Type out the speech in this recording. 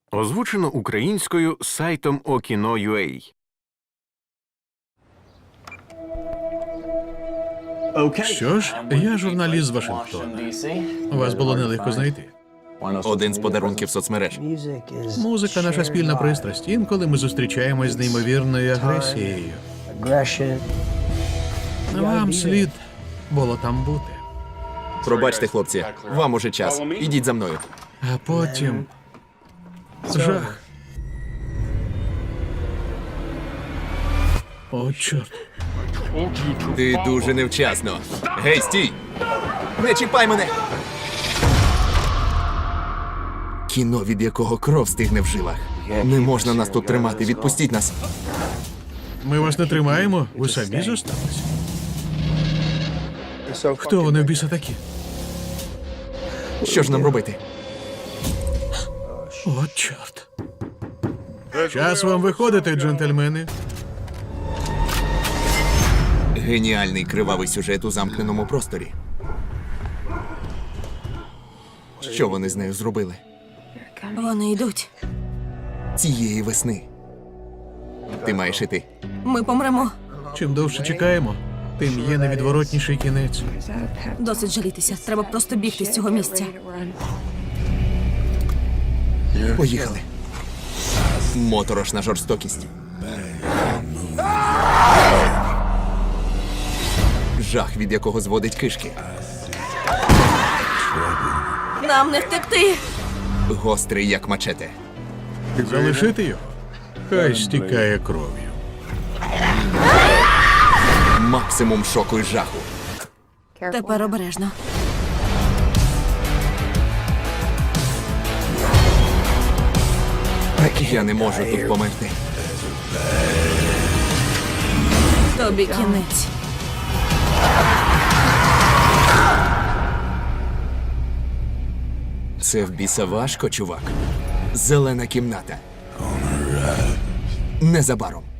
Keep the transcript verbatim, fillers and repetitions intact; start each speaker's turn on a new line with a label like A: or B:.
A: Озвучено українською сайтом Okino.ua.
B: Що ж, я журналіст з Вашингтона. Вас було нелегко знайти.
C: Один з подарунків соцмереж.
B: Музика — наша спільна пристрасть. Інколи ми зустрічаємось з неймовірною агресією. Вам слід було там бути.
C: Пробачте, хлопці, вам уже час. Ідіть за мною.
B: А потім... жах. О, чорт.
C: Ти дуже невчасно. Гей, стій! Не чіпай мене! Кіно, від якого кров стигне в жилах. Не можна нас тут тримати, відпустіть нас.
B: Ми вас не тримаємо, ви самі зосталися. Хто вони в біса такі?
C: Що ж нам робити?
B: О, чорт. Час вам виходити, джентльмени.
C: Геніальний кривавий сюжет у замкненому просторі. Що вони з нею зробили?
D: Вони йдуть.
C: Цієї весни. Ти маєш іти.
D: Ми помремо.
B: Чим довше чекаємо, тим є невідворотніший кінець.
D: Досить жалітися. Треба просто бігти з цього місця.
C: Поїхали. Моторошна жорстокість. Жах, від якого зводить кишки.
D: Нам не втекти.
C: Гострий, як мачете.
B: Залишити його? Хай стікає кров'ю.
C: Максимум шоку і жаху.
D: Тепер обережно.
C: Я не можу тут померти.
D: Тобі кінець.
C: Це в біса важко, чувак. Зелена кімната. Незабаром.